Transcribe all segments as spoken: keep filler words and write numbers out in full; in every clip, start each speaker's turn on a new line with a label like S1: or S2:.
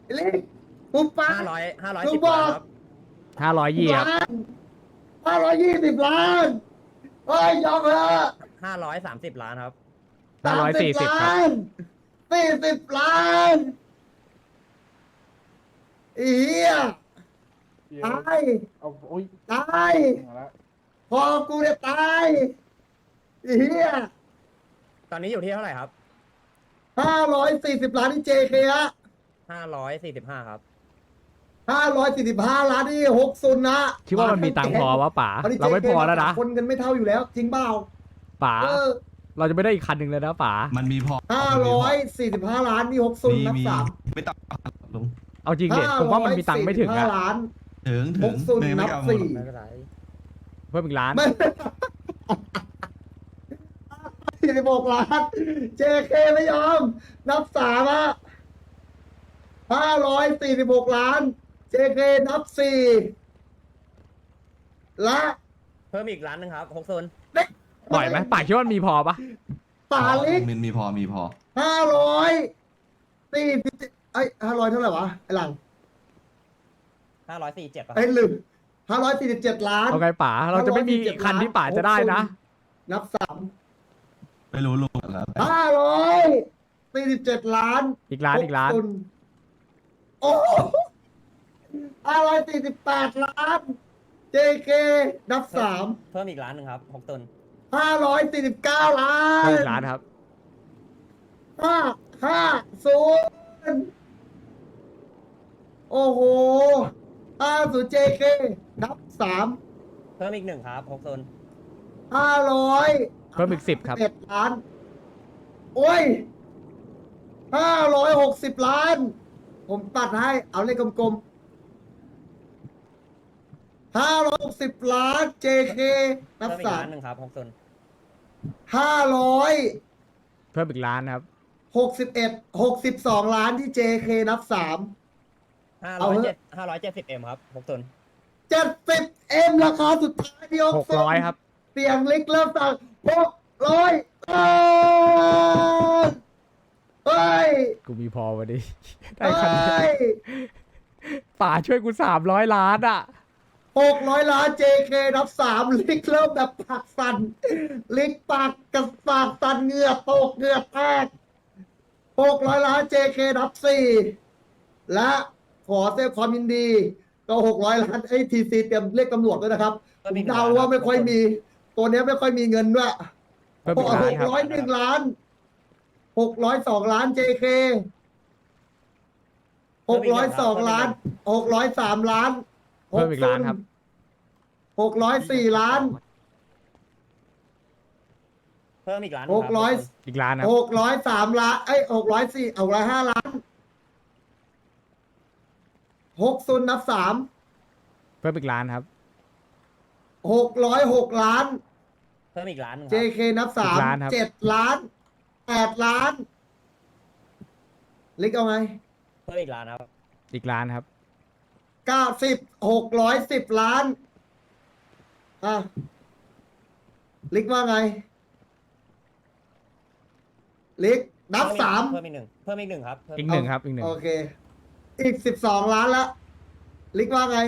S1: เล็กปุ๊บป้า
S2: ห้าร้อยห้าร้อย
S1: กู
S2: สิบ
S1: บอก
S2: ล้านครับ
S3: ห้าร้อยยี่ครับ
S1: ล้านห้าร้อยยี่สิบล้านเฮ้ยยอมเถอะ
S2: ห้าร้อยสามสิบล้านครับ
S3: ห้าร้อยสี่สิบครับ
S1: ล้านสี่สิบล้านไอ้เหี้ย
S4: เดี๋ยว
S1: ตาย
S4: เอาโอ้ย
S1: ตาย
S4: มาแล้ว
S1: พอกูเนี่ยตายไอ้เหี้ย
S2: ตอนนี้อยู่ที่เท่าไหร่ครับ
S1: ห้าร้อยสี่สิบล้านที่เจเคฮะ
S2: ห้าร้อยสี่สิบห้าครับ
S1: ห้าร้อยสี่สิบห้าล้านที่หกศูนย์นะ
S3: คิดว่ามันมีตังค์พอวะป๋า
S1: อันนี้
S3: เราไม่พอแล้วนะ
S1: คนกันไม่เท่าอยู่แล้ว จริงเปล่า
S3: ป๋า
S1: เออ
S3: เราจะไม่ได้อีกคันหนึ่งเลยนะป๋า
S5: มันมีพอ
S1: ห้าร้อยสี่สิบห้าล้านนี่หกศูน
S5: มี
S1: ย์นับ
S5: มี
S1: สาม
S5: ไม่ต้องลุง
S3: เอาจริงเด็ผมว่ามันมีตังค์ไม่ถึง
S1: ห้า
S3: อะ
S1: ล้าน
S5: ถึง
S1: ห
S5: ถึง
S1: กศูนย์
S5: ไม่
S1: นั
S5: ไม่
S1: บ
S5: เอาหม
S1: สี่
S5: ด
S2: ไม่เป็นไร
S3: เพิ่มอีกล้าน
S1: ไม่สี่สิบหกล้าน เจเคไม่ยอม นับสามอะห้าร้อยสี่สิบหกล้าน เจเคนับสี่และ
S2: เพิ่มอีกล้านหนึ่งครับหกโซน
S3: ปล่อยไหมป๋าคิดว่ามันมีพอปะ
S1: ปาลิก
S5: มันมีพอมีพอ
S1: ห้าร้อยสี่สิบไอ้ห้าร้อยเท่าไหร่วะ ไอ้หลัง
S2: ห้าร้อยสี่สิบเจ็ดป่ะ
S1: ไอ้ลืมห้าร้อยสี่สิบเจ็ดล้าน
S3: เอาไงป๋าเราจะไม่มีคันที่ป๋าจะได้นะ
S1: นับสาม
S5: ไม่รู้ลุงแล้วแต่
S1: ห้าร้อยสี่สิบเจ็ดล้าน
S3: อีกล้านอีกล้าน
S1: หศูย์โอ้ห้าร้อยสี่สิบแปดล้าน เจเค นับสาม
S2: เพิ่มอีกล้านหนึ่งครับหกโซน
S1: ห้าร้อยสี่สิบเก้าล้า
S3: เพิ่ม
S1: น
S3: อีกล้านครับ
S1: ห้าห้าศูนย์โอ้โหห้าศูนย์เจเค นับสาม
S2: เพิ่มอีกหนึ่งครับหกโซน
S1: ห้าร้อย
S3: เพิ่มอีกสิบครับ
S1: เอ็ดล้าน โอ้ยห้าร้อยหกสิบล้าน ผมตัดให้ เอาเลขกลมๆห้าร้อยหกสิบล้าน เจเค นับ
S2: เพิ่มอีก
S1: สาม
S2: ล้านหนึ่งครับหกโซน
S1: ห้าร้อย
S3: เพิ่มอีกล้านครับ
S1: หกสิบเอ็ดหกสิบสองล้านที่ เจเค นับสาม
S2: ห้า
S1: เอา
S2: ร้อย
S1: เถ
S2: เจ็
S1: อะ
S2: ดห้าร้อยเจ็ดสิบเอ็มครับหกโซน
S1: เจ็ดสิบเอ็มราคาสุดท้ายที่
S3: หกร้อยครับ
S1: เสียงเล็กเริ่มต่างหกร้อยเฮ้ย
S3: กูมีพอวันนี้ ได้
S1: เฮ้
S3: คันนี้
S1: ย
S3: ป๋าช่วยกูสามร้อยล้านอ่ะ
S1: หกร้อยล้าน เจเค นับสามลิกเริ่มแบบปากสั่นลิกปากกับปากสั่นเหงื่อตกเหงื่อแตกหกร้อยล้าน เจเค นับสี่และขอแสดงความยินดี ก็หกร้อยล้านไอ้ทีซีเตรียมเรียกตำรวจด้วยนะครับผมเดาว่าไม่ค่อยมี ตัวเนี้ยไม่ค่อยมีเงินด้วย
S3: เพิ่มอีกล้า
S1: ห
S3: น
S1: ก
S3: ครับ
S1: ร้อยหนึ่งล้านหกร้อยสองล้าน เจเค หกร้อยสองล้านหกร้อยสามล้าน
S3: เพิ่มอีกล้านครับ
S1: หกร้อยสี่ล้าน
S2: เพิ่มอีกล้าน
S1: หกร้อย
S3: อีกล้านครับ
S1: หกร้อยสามล้านเอ้ยหกร้อยสี่หกร้อยห้าล้านหกศูนย์นับสาม
S3: เพิ่มอีกล้านครับ
S1: หกร้อยหกล้าน
S2: เพิ่มอีกล้านหนึ่งค
S1: เจ
S2: รับ
S1: เค นับสาม
S3: อีกล้านครับ
S1: เจ็ดล้านแปดล้านลิกเอาไง
S2: เพิ่มอีกล้านครับ
S3: อีกล้านครับ
S1: เก้าสิบหกร้อยสิบล้านอ่ะลิกว่าไง ลิกนับสาม
S2: เพิ่มอีกหนึ่งเพิ่มอีกหนึ่งครับเพิ่ม
S3: อีกหนึ่งครับ อีกหนึ่ง
S1: โอเค อีกสิบสองล้านละลิกว่าไง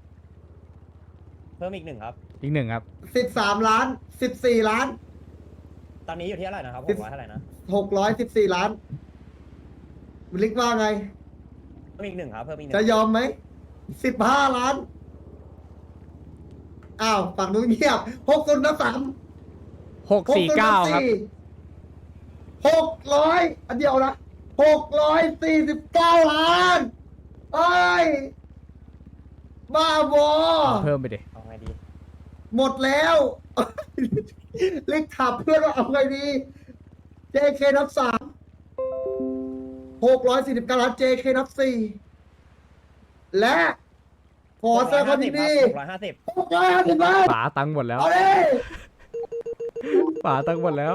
S2: เพิ่มอีกหนึ่งครับ
S3: อีกหนึ่งครับ
S1: สิบสามล้านสิบสี่ล้าน
S2: ตอนนี้อยู่ที่เท่าไหร่นะครับห
S1: สิบ
S2: กร้อยเท่าไหร่นะ
S1: หกร้อยสิบสี่ล้านลิกว่าไง
S2: เพิ่มอีกหนึ่งครับเพิ่มอีกหนึ่
S1: จะ
S2: ง
S1: ยอมไหมสิบห้าล้าน อ้าวฝั่งนู้นเงียบหกศูนย์นับสาม
S3: หกสี่เก้าครับ
S1: หกร้อยอันเดียวนะหกร้อยสี่สิบเก้าล้านเอ้ย บ้าบอ
S3: เพิ่มไปดิ
S2: เอาไงดี
S1: หมดแล้ว เล็กถามเพื่อนว่าเอาไงดี เจ เค นับสามหกร้อยสี่สิบเก้าล้าน เจ เค นับสี่และขอแสดงความยินดี
S2: หกร้อยห้าสิบ
S1: หกร้อยห้าสิบล้าน
S3: ป๋าตังค์หมดแล้ว
S1: เอาดิ
S3: ป๋าตังค์หมดแล้ว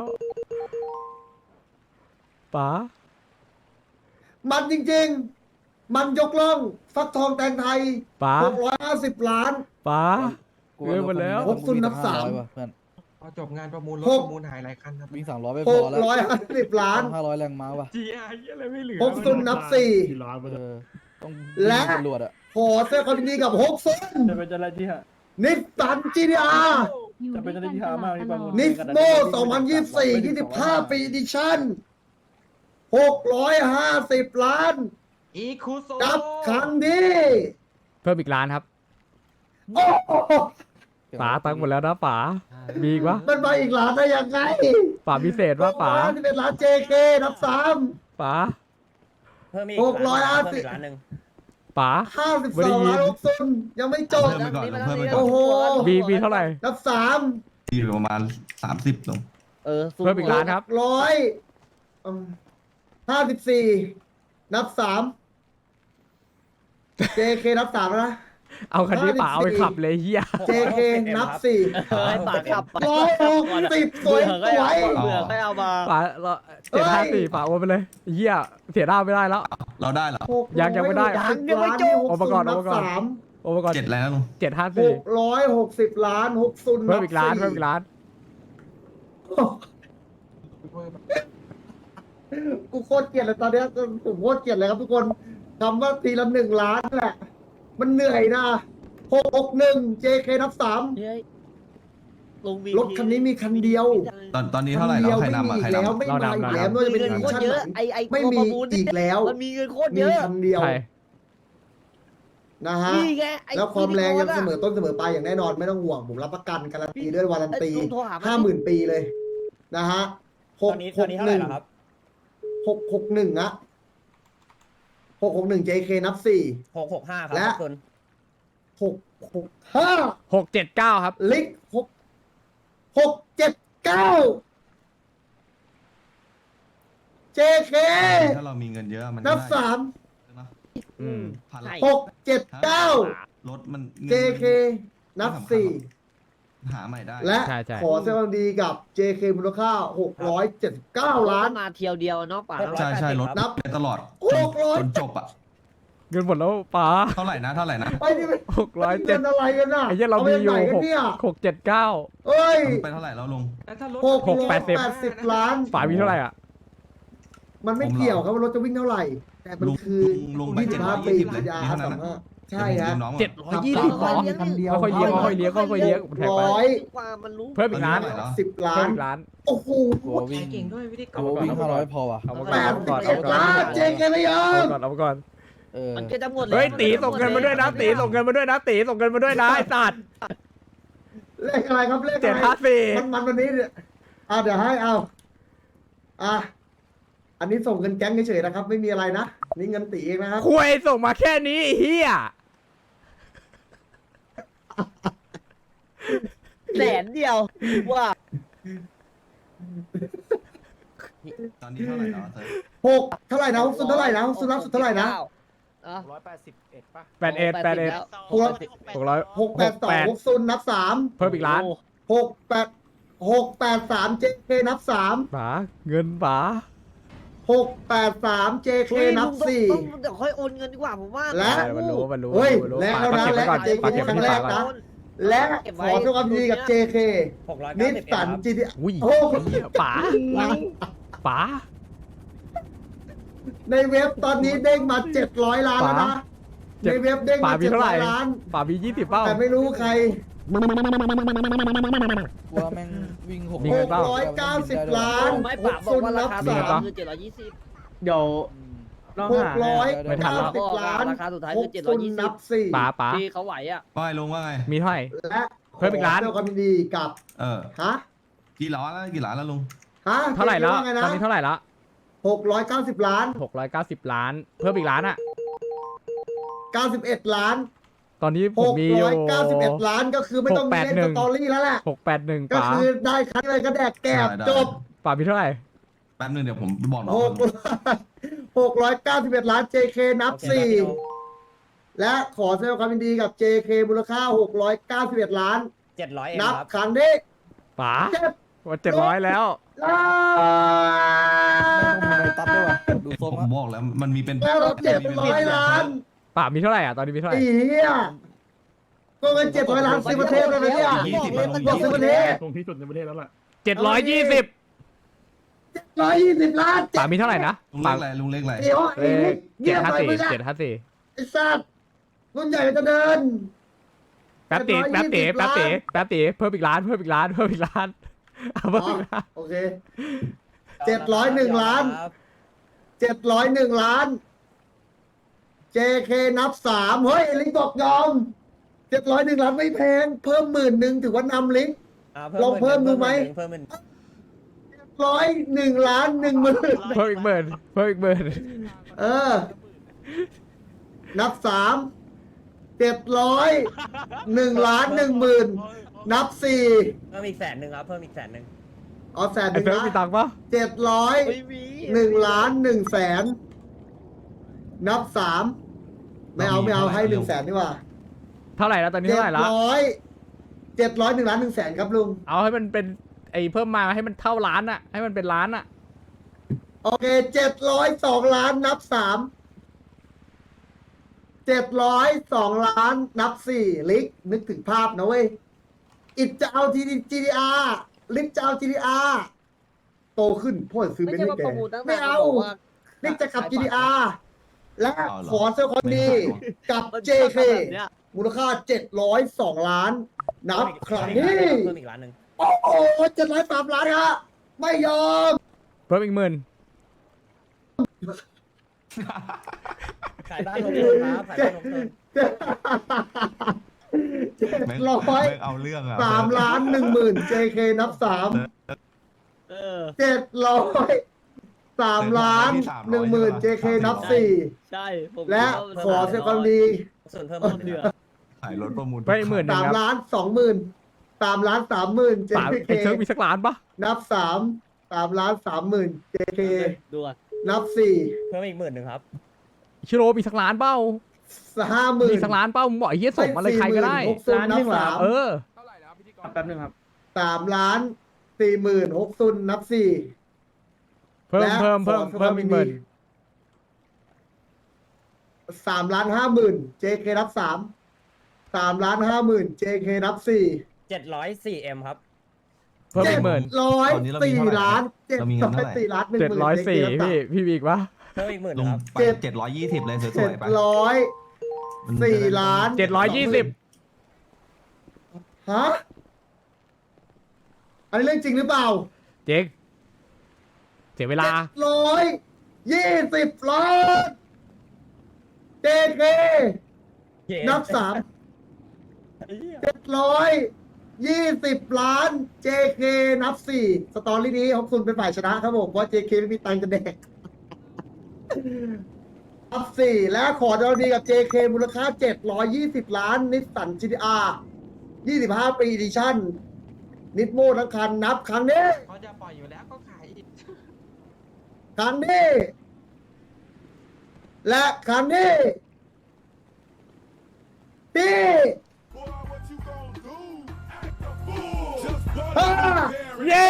S3: ป๋า
S1: มันจริงๆ มันยกล่อง ฟักทองแตงไทย
S3: ป๋า
S1: หกร้อยห้าสิบล้าน
S3: ป๋าเงินหมดแล้ว
S1: หกศูนย์นับสาม
S6: ว่ะเพื่อน
S4: พอจบงานประมูลรถ
S1: หก
S4: ประมูลหายหลายคันครับ
S6: วิ่งสามร้อยไม่
S1: ห
S6: พอก แล้ว
S1: ร้อยห้าสิบล้าน
S6: ห้าร้อยแรงม้าว่ะ
S3: จีไออะไรไม่เหลือ
S1: หกศูนย์นับสี่
S6: เออต้อง
S1: และ
S6: ตำรวจอะ
S1: ขอแสดงความยินดีกับฮกซุน
S4: จะเป็นอะไรที่ฮะ
S1: นิสสันจีดีอาร์
S4: จะเป็นอะไรที่หามากที่ประมูล
S1: นิสโมสองพันยี่สิบสี่ ยี่สิบห้าปีดิชั่นหกร้อยห้าสิบล้าน
S4: อีคูโซ
S1: กับคันนี้
S3: เพิ่มอีกล้านครับ
S1: โอ้โห
S3: ป๋าตังค์หมดแล้วนะป๋ามีอีกวะ
S1: มันมาอีกล้านได้ยังไง
S3: ป๋าพิเศษว่าป๋า
S1: ที่เป็นล้าน เจ เค นับสาม
S3: ป๋า
S2: เพิ่มอีก
S1: หกร้อยห้าสิบ
S2: เพิ่มอีกล้านหนึ่ง
S3: ป๋า
S1: ห้าสิบ
S3: ไม่
S1: ส
S3: ได้
S1: อง
S3: ยิน
S1: ล้านฮกซุนยังไม่จบ
S5: เพิ่มไปก่อนเพิ่มไปก่อน
S1: โอ้โห
S3: มีมีเท่าไหร่
S1: นับสาม
S5: มีอยู่ประมาณสามสิบลง
S6: เออสู้
S3: เพิ่มอีกล้านครับ
S1: ร้อยห้าสิบสี่นับสาม เจ เค นับสามแล้วนะ
S3: เอาคันนี้ป๋าเอาไปขับเลยเฮีย
S1: เจ เค นับสี่
S6: ให้ปากขับไป
S1: ร้อยหกสิบสวยสวย
S6: เบื่อก็เอามา
S3: ป๋าเจ็ดห้าสี่ป๋าโอนไปเลยเฮียเสียหน้าไม่ได้แล้ว
S5: เราได้เหรอ
S3: ยังยังไม่ได้
S1: ยังยังไม่จบ
S3: เอามาก่อนเอามาก่อน
S1: สาม
S3: โอนไปก่อน
S5: เจ็ดแล้วลุง
S3: เจ็ดห้า
S1: ห
S3: สี่
S1: กร้อยหกสิบล้านหกซุน
S3: เพิ่มอีกล้านเพิ่มอีกล้าน
S1: กูโคตรเกลียดเลยตอนเนี้ยผมโคตรเกลียดเลยครับทุกคนคำว่าทีละหนึ่งล้านแหละ มันเหนื่อยนะหกหกหนึ่ง เจ เค นับสาม
S6: เฮ้ยลงมี
S1: รถคันนี้มีคันเดียว
S5: ตอนตอนนี้เท่าไหร่แล้วใครนำอ่ะใคร
S1: แล้ว
S5: นำ
S1: ไม่มาอีกแล้ว
S3: เรานำ
S1: ไม่ว่าจะ
S6: มี
S1: เป็น
S6: เงิน
S1: ดิ
S6: โคต
S1: ชั่
S6: ร
S1: น
S6: เย
S1: ไห
S6: อะ
S1: น
S6: ไอไอ
S1: ไม่
S6: ตัว
S1: มี
S6: ประมูล
S1: อีกแล้ว
S6: มันมีเงินโคตร
S1: มี
S6: เยอะ
S1: คันเดียว
S3: ใช่
S1: นะฮะ
S6: นี่ไงไอ้
S1: แล้วความแรงยัง
S6: ที่
S1: เสม
S6: โด
S1: อต้นเสมอปลายอย่างแน่นอนไม่ต้องห่วงผมรับประกันการันตีด้วยวารันตี
S6: เอ้ยลุงโทรหามัน
S1: ห้าหมื่นปีเลยนะฮะห
S2: ตอก นนี้
S1: ห
S2: ตอน
S1: ก
S2: นี้เท่า
S1: ห
S2: ไหร่
S1: นึ่ง
S2: แล้วครับ
S1: หกหกหนึ่งอะหกหกหนึ่ง เจ เค นับสี่
S2: หกหกห้าครับ
S1: และ
S2: ขอบคุณ
S1: หกหกห้า
S3: หกเจ็ดเก้าครับ
S1: ลิกหกหกเจ็ดเก้า เจ เค
S5: ถ้าเรามีเงินเยอะมัน
S1: นับสาม
S3: อืม
S5: พันละ
S1: หกเจ็ดเก้าร
S5: ถมันงิน
S1: เจ เค นับสี่
S5: หาใหม่ได้
S1: และ
S3: ใช่ใช่
S1: ขอแสดงความดีกับ เจ เค มูลค่าหกร้อยเจ็ดสิบเก้าล้าน
S6: มาเที่ยวเดียวเนาะป่า
S5: ใช่ใช่รถ
S1: นับ
S5: ไปตลอด
S1: หกร้อย
S5: จนจบอ่ะ
S3: เงินหมดแล้วป๋า
S5: เท่าไหร่นะเท่าไหร่นะ
S1: ไปนี่ไป
S3: หกร้อย
S1: เงิ
S3: เจ็ด
S1: นอะไรกันน่ะ
S3: ไอ้เหี้ยเรามีอยู่
S1: ไปไหน
S3: ห
S1: กัน
S3: ก
S1: เนี่ย
S3: หกเจ็ดเก้า
S1: เอ้ย
S5: ไปเท่าไหร่แล้วลุง
S1: หก
S3: หก
S1: ร้อย
S3: แปดสิบ
S1: แปดสิบล้าน
S3: ป๋ามีเท่าไหร่อ่ะ
S1: มันไม่เกี่ยวครับว่ารถจะวิ่งเท่าไหร่ แต่มัน
S5: ลุง
S1: คือ
S5: ลุงไป
S1: ยี่สิบห้า
S5: 720
S1: ปี
S5: เลย
S1: ยา
S5: มีเท่านั้น
S1: สาม
S5: อะ
S1: ห้าใช่ฮะ
S5: ดี๋ยวผมยืมน้องก่อน
S3: เจ็ดร้อยยี่สิบ
S1: สามร้อยคันเดียว
S3: ค่อยๆเลี้ยงค่อยๆเลี้ยงค่อยๆเลี้ยงค่อยๆเลี้ยงผมแทงไป
S1: ร้อย
S6: กว่ามันรู้
S3: เพิ่มอีกล้าน
S5: เท่าไหร่แล้ว
S1: สิบล้า
S3: เพิ่ม
S1: น
S3: อีกล้าน
S1: โอ้โห
S6: กลัววิ่ง
S4: เก่งด้วยวิธี
S6: กลัววิ่งห้าร้อยพอว่ะ
S3: เอามา
S1: แป
S3: ก่อน
S1: ด
S3: เอา
S1: สิ
S3: มา
S1: บ
S3: ก่อน
S1: เอ็ดล้าน เจ เค ไม่ยอ
S3: เอา
S1: ม
S3: มาก่อนเอามาก่อน
S6: เออมันก็จะหมดแล้ว
S3: เฮ้ยตีส่งเงินมาด้วยนะตีส่งเงินมาด้วยนะตีส่งเงินมาด้วยนะไอ้สัตว์
S1: เลขอะไรครับเลข
S3: เจ็ด
S1: อะไร
S3: ห้าสี่
S1: มันมันวันนี้เนี่ยอ่ะเดี๋ยวให้เอาอ่ะอันนี้ส่งเงินแก๊งเฉยๆนะครับ ไม่มีอะไรนะนี่เงินตีเองนะครับ
S3: คุยส่งมาแค่นี้ไอ้เฮีย
S6: แสนเดียวว่า
S5: ตอนนี้เท่าไหร่แล้วเธอ
S1: หกเท่าไหร่นะฮกซุนเท่าไหร่นะฮกซุนรับสุดเท่าไหร่นะ
S6: อ่ะ
S4: ร้อยแปดสิบเอ็ดป่ะ
S3: แปดเอ็ดแปดเอ็ด
S1: หก
S3: หกร้อย
S1: หกแปดสองฮกซุนนับสาม
S3: เพิ่มอีกล้าน
S1: หกแปดหกแปดสาม เจ เค นับสาม
S3: ป๋าเงินป๋า
S1: หกแปดสาม เจ เค นับสี่
S6: ต้องเดี๋ยวค่อยโอนเงินดีกว่าผมว่า
S1: และ
S3: ใช่มันรู้มันรู้
S1: เฮ้ย
S3: มันรู้
S1: แลก
S3: ป๋า
S1: แล้วนะ
S3: ป๋าเก็บไว้ก่อน
S1: แลกกับ
S3: ป๋าเก็บไว้ที่
S1: แล
S3: ป๋าก ก่อน
S1: นะ และขอแสดงความยินดีกับ เจ เค
S2: หกร้อย
S1: นิ
S2: เก้า
S1: ส
S2: สิบเอ็ด
S1: สัน
S2: ครับ
S1: จีที
S3: อุ้ย
S1: โอ้
S3: เหี้ยป๋าป๋า
S1: ในเว็บตอนนี้เด้งมาเจ็ดร้อยล้านแล้วนะ
S3: เจ็
S1: ใน
S3: ด
S1: เว็บเด้ง
S3: ป๋า
S1: มา
S3: มี
S1: เจ็ด
S3: เท่าไห
S1: ร้
S3: ร่
S1: อยล้าน
S3: ป๋ามียี่สิบเป้า
S1: แต่ไม่รู้ใคร
S6: กลัวแม่งวิ่งหก
S3: มี
S1: ห
S3: เงิน
S1: ก
S3: เปล่า
S1: ร้อยเก้าสิบล้าน
S6: ไม่ป่าบอกว่าราคา
S3: มี
S6: สา
S3: เงินเปล่า
S6: มคือเจ็ดร้อยยี่สิบ
S4: เดี๋ยวน้อง
S1: ห
S4: หาก
S1: ร้อย
S3: ไม่ทัน
S1: เก้า
S3: แล้ว
S1: สิบล้าน
S6: ราคาสุดท้าย
S1: ห
S6: คื
S1: ก
S6: อเจ็ดร้
S1: ซุ
S6: อย
S1: น
S6: ยี่สิ
S1: นั
S6: บบ
S1: สี่
S3: ป๋าป๋า
S6: ที่เขาไหวอ่ะ
S5: ว่าไงลุงว่าไง
S3: มีเท่าไหร่
S1: และ
S3: เพิ่มอีกล้าน
S1: ขแสดงความยินดีกับ
S5: เออ
S1: ฮะ
S5: กี่ล้านแล้วกี่ล้านแล้วลุง
S1: ฮะ
S3: เท่าไหร่แล้ว
S1: จ๊คิดาไง
S3: ตอนนี้เท่าไหร่ละ
S1: หกร้อยเก้าสิบล้าน
S3: หกร้อยเก้าสิบล้าน เพิ่มอีกล้านอ่ะ
S1: เก้าสิบเอ็ดล้าน
S3: ตอนนี้ผ
S1: ห
S3: ม
S1: ก
S3: มีอ
S1: ร้อยู่ ยเก้าสิบเอ็ดล้านก็คือไม่ต้องมีเล่น
S3: ห
S1: ส
S3: กแปดหนึ่ง
S1: ตอรี่แล้วแหละ
S3: หกแปดหนึ่ง
S1: ก็
S3: ป๋า
S1: คือได้คันเลยก็แดกแกบ
S5: ได้ได้
S1: จบ
S3: ป๋ามีเท่าไหร่
S5: แป๊บนึงเดี๋ยวผมบอกน้อง
S1: หกหกร้อยเก้าสิบเอ็ดล้าน เจ เค นับ
S2: โอเค
S1: สี่
S2: ครับพี่โน
S1: และขอแสดงความยินดีกับ เจ เค มูลค่าหกร้อยเก้าสิบเอ็ดล้าน
S2: เจ็ดร้อยเอ็ม
S1: นับ
S2: ครับ
S1: ครั้งที่
S3: ป๋า
S1: เจ็ด
S3: ว่าเจ็ดร้อยแล้ว
S1: ล้า
S6: ไม่
S1: น
S6: มีตัดด้วยว่ะดูทรง
S5: ผมบอกแล้วมันมีเป็น
S1: แล้วเราเจ็ดร้อยล้าน
S3: ป๋ามีเท่าไหร่อ่ะ ตอนนี้มีเท่าไหร่
S1: ไอ้เหี้ยก็เงินเจ็ดร้อยล้านซื้อประเทศแล้วนะเนี่ย
S5: ยี่สิบมาลง
S1: บอกซื้อประเทศ
S4: ตรงที่สุดในประเทศแล้วล่ะ
S3: เจ็ดร้อยยี่สิบ
S1: ร้อยยี่สิบล้าน
S3: ป๋ามีเท่าไหร่นะ
S5: ลุงเล
S3: ป๋า
S5: ขอะไรลุงเลขอะไร
S1: เดี๋ยว
S3: เล
S1: ไอ้
S3: ข
S1: นี่เงี
S3: เจ็
S1: ย
S3: ด
S1: บ
S3: ห้า
S1: ไป
S3: สี่
S1: มึงอะ
S3: เจ็ดห้าสี่
S1: ไอ้สัตว์รุ่นใหญ่จะเดิน
S3: แป๊บเต๋แป๊บเต๋
S1: เจ็ดร้
S3: แป๊บ
S1: อย
S3: เต๋
S1: ยี่สิบ
S3: แป๊บเต๋เพิ่มอีกล้านเพิ่มอีกล้านเพิ่มอีกล้านเอาเพิ่มอีกล้าน
S1: โอเคเจ็ดร้อยหนึ่งล้าน
S2: ครับ
S1: เจ็ดร้อยหนึ่งล้าน เจ เค นับสามเฮ้ยลิงบอกยอมเจ็ดร้อยหนึ่งล้านไม่แพง เพิ่มหมื่นหนึ่งถือว่านำลิง
S2: า
S1: ลองเพิ่มดูไหม
S2: เพิ่มเป็น
S1: ร้อยหนึ่งล้านหนึ่งหมื่น
S3: เพิ่มอีกหมื่นเพิ่มอีกหมื่น
S1: เออ นับสามเจ็ดร้อยหนึ่งล้านหนึ่งหมื่นนับสี่
S2: เพิ่มอีกแสนหนึ่งครับเพิ่มอีกแสนหนึ่ง
S1: เอาแสนห
S3: ไอ้
S1: นึ่ง
S3: เฟิร์ส
S1: นะ
S3: มีตังค์ปะ
S1: เจ็ดร้อยหนึ่งล้านหนึ่งแสนนับสามไม่เอาไม่เอาให้หนึ่งแสนดีกว่า
S3: เท่าไหร่แล้วตอนนี้
S1: เจ็ด
S3: เท่าไหร่ละ
S1: ร้อยเจ็ดร้อยหนึ่งล้านหนึ่งแสนครับลุง
S3: เอาให้มันเป็นไอ้เพิ่มมาให้มันเท่าล้านอะให้มันเป็นล้านอะ
S1: โอเคเจ็ดร้อยสองล้านนับสามเจ็ดร้อยสองล้านนับสี่ลิกนึกถึงภาพนะเว้ยอิดจะเอาทีดีจีดีอาร์ลิกจะเอาจีดีอาร์โตขึ้นพ่อซื้อ
S6: ไม่
S1: เป็น
S6: ใช่
S1: ให้
S6: ว่า
S1: แก
S6: ประมูลตั้ง
S1: ไม่
S6: นาน
S1: เอา
S6: บอกว่า
S1: ลิกจะขับ จีดีอาร์ และ
S5: เอาเหรอ
S1: ขอเซลคอนดี
S5: ไม่ขาย
S1: กับ
S6: มัน
S1: เจ เค
S6: แบบเนี้ย
S1: มูลค่าเจ็ดร้อยสองล้าน นับครั้งนี้
S2: เพิ่มอีกล้านหนึ่ง
S1: โอ้โหเจ็ดร้อยสามล้านฮะไม่ยอม
S3: เพิ่มอีกหมื่น
S2: ขายบ้านลงทุนครับขายบ้านลงทุน
S1: เจ็ด
S5: แม่ง
S1: ร้อย
S5: แม่งเอาเรื่องอ่ะ
S1: สามล้านหนึ่งหมื่น เจ เค นับสาม
S6: เออ
S1: เจ็ดร้อยสามล้านหนึ่งหมื่น เจ เค นับสี่
S6: ใช่ผม
S1: และ
S6: ว่ามัน
S1: ขอเซลคอนดี
S2: ส่วนเพิ่ม
S6: ต้นเดือน
S5: ขายรถประมูล
S3: เพิ่มอีกหมื่นหนึ่
S1: สาง ม
S3: ครับ
S1: ล้านสองหมื่นสามล้านสามหมื่น เจ
S3: สาม
S1: เค
S3: ไอ้เซิร์ฟมีสักล้านปะ
S1: นับสามสามล้านสามหมื่น เจ เค
S6: ดูอ่ะ
S1: นับสี่
S2: เพิ่มอีกหมื่นหนึ่งครับ
S3: ชิโร่มีสักล้านเป้า
S1: ห้าหมื่น
S3: มีสักล้านเป้ามึงบอกไอ้เหี้ยส่งมาเลยใครก็ได้
S1: หกซุนนับสาม
S3: เออ
S4: แป๊บนึงครับ
S1: สามล้านสี่หมื่นหกซุนนับสี่
S3: เพิ่ม
S1: และ
S3: เพิ่มเพิ่ม
S1: ขอ
S3: เพิ่มอีกหมื่น
S1: สามล้านห้าหมื่น เจ เค นับสามสามล้านห้าหมื่น เจ เค นับสี่
S2: เจ็ดร้อยสี่เอ็มครับ
S3: เพิ่มอีกหมื่น
S1: ร้อย
S5: ตอนนี้เรามี
S1: สี่
S5: เท่าไหร่
S1: ล้านเจ็ด
S5: เรามีเงิ
S1: ร้
S5: น
S1: อ
S5: เท่าย ไหร่
S1: สี่ล้านหนึ่งห
S3: เจ็ด
S1: มื่น
S3: ร้อยสี่
S1: เจ
S3: พี่พี่มีอีกปะ
S2: เพิ่มอีกหมื่นห
S5: ลุ
S2: นึ่ง
S5: ง
S2: ครับ
S5: ไป
S1: เจ็ด
S5: เจ็ดร้อยยี่สิบเลยส
S1: เจ็
S5: ว
S1: ด
S5: ยๆไป
S1: ร้อย
S5: มัน
S1: สี่ล้าน
S3: เจ็ดร้อยยี่สิบ
S1: ฮะอันนี้เรื่องจริงหรือเปล่า
S3: เจ๊กเสียเวลา
S1: ร้อยยี่สิบล้านเจเค นับสามเจ็ดร้อยยี่สิบล้าน เจ เค นับสี่สตอรี่นี้ของคุณเป็นฝ่ายชนะครับผมเพราะ เจ เค ไม่มีตังค์จะแดก นับสี่และขอดาวดีกับ เจ เค มูลค่าเจ็ดร้อยยี่สิบล้านนิสสัน จี ที อาร์ ยี่สิบห้าปีดิชั่น นิดโมทั้งคันนับครั้งนี้
S4: เขาจะปล่อยอยู่แล้วก็ขายอีก
S1: ครั้งนี้ และครั้งนี้ที่ห้า
S3: เย้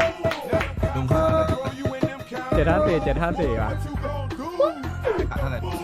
S5: ลุงขาดอะไร
S3: เจ็ดห้าสี่เจ็ดห้าสี่ว่ะ
S5: ขาดเท่าไหร่